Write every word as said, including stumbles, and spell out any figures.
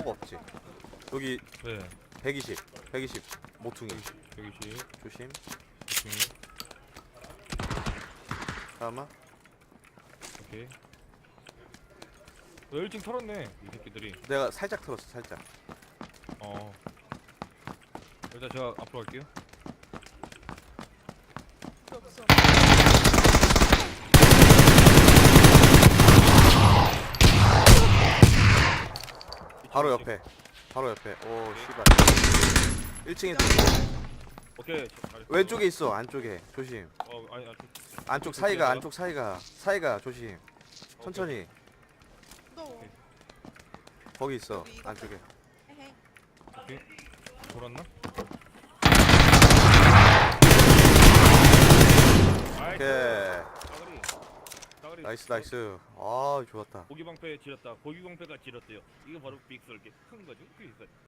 폭 없지. 여기 네. 백이십 백이십 모퉁이 여기시. 조심. 오케이. 잠깐만. 오케이. 어, 일찍 털었네 이 새끼들이. 내가 살짝 틀었어 살짝. 어. 일단 제가 앞으로 갈게요. 없어. 바로 옆에 바로 옆에. 오 씨발. 일 층에 오케이. 저- 잘했어. 왼쪽에 있어. 안쪽에 조심. 어 아니 아니. 안쪽 사이가 안쪽 사이가 사이가 조심. 천천히. 너. 거기 있어 안쪽에. 헤헤. 오케이. 돌았나? 오케이. 따그리. 따그리. 나이스 나이스. 아 좋았다. 고기 방패 지렸다. 고기 방패가 지렸대요. 이거 바로 빅설게 큰 거죠. 그게 있어요.